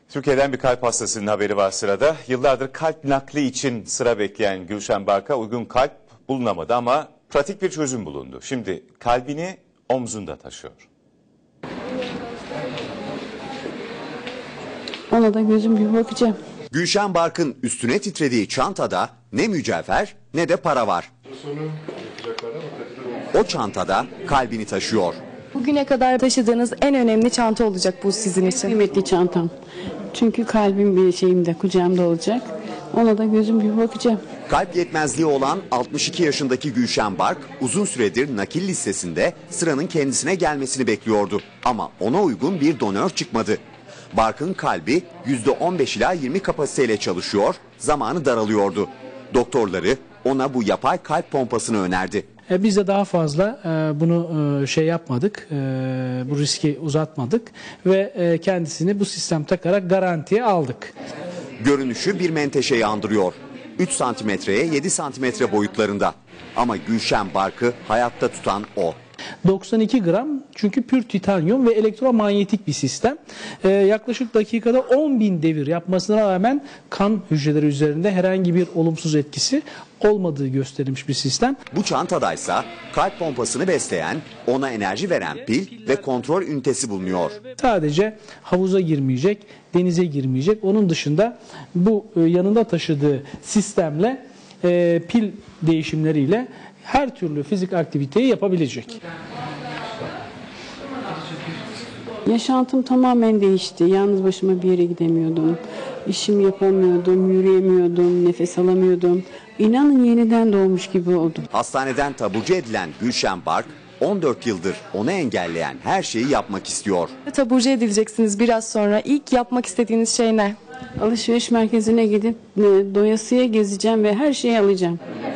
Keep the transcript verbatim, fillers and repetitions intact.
Türkiye'den bir kalp hastasının haberi var sırada. Yıllardır kalp nakli için sıra bekleyen Gülşen Bark'a uygun kalp bulunamadı ama pratik bir çözüm bulundu. Şimdi kalbini omzunda taşıyor. Ona da gözüm gibi bakacağım. Gülşen Bark'ın üstüne titrediği çantada ne mücevher ne de para var. O çantada kalbini taşıyor. Bugüne kadar taşıdığınız en önemli çanta olacak bu sizin için. Kıymetli çantam. Çünkü kalbim bir şeyimde, kucağımda olacak. Ona da gözüm gibi bakacağım. Kalp yetmezliği olan altmış iki yaşındaki Gülşen Bark uzun süredir nakil listesinde sıranın kendisine gelmesini bekliyordu. Ama ona uygun bir donör çıkmadı. Bark'ın kalbi yüzde on beş ila yirmi kapasiteyle çalışıyor, zamanı daralıyordu. Doktorları ona bu yapay kalp pompasını önerdi. E, biz de daha fazla e, bunu e, şey yapmadık, e, bu riski uzatmadık ve e, kendisini bu sistem takarak garantiye aldık. Görünüşü bir menteşeyi andırıyor. üç santimetreye yedi santimetre boyutlarında. Ama Gülşen Bark'ı hayatta tutan o. doksan iki gram çünkü pür titanyum ve elektromanyetik bir sistem. Ee, yaklaşık dakikada on bin devir yapmasına rağmen kan hücreleri üzerinde herhangi bir olumsuz etkisi olmadığı gösterilmiş bir sistem. Bu çantadaysa kalp pompasını besleyen, ona enerji veren pil ve kontrol ünitesi bulunuyor. Sadece havuza girmeyecek, denize girmeyecek. Onun dışında bu e, yanında taşıdığı sistemle e, pil değişimleriyle her türlü fizik aktiviteyi yapabilecek. Yaşantım tamamen değişti. Yalnız başıma bir yere gidemiyordum. İşimi yapamıyordum, yürüyemiyordum, nefes alamıyordum. İnanın yeniden doğmuş gibi oldum. Hastaneden taburcu edilen Gülşen Bark, on dört yıldır onu engelleyen her şeyi yapmak istiyor. Taburcu edileceksiniz biraz sonra. İlk yapmak istediğiniz şey ne? Alışveriş merkezine gidip e, doyasıya gezeceğim ve her şeyi alacağım.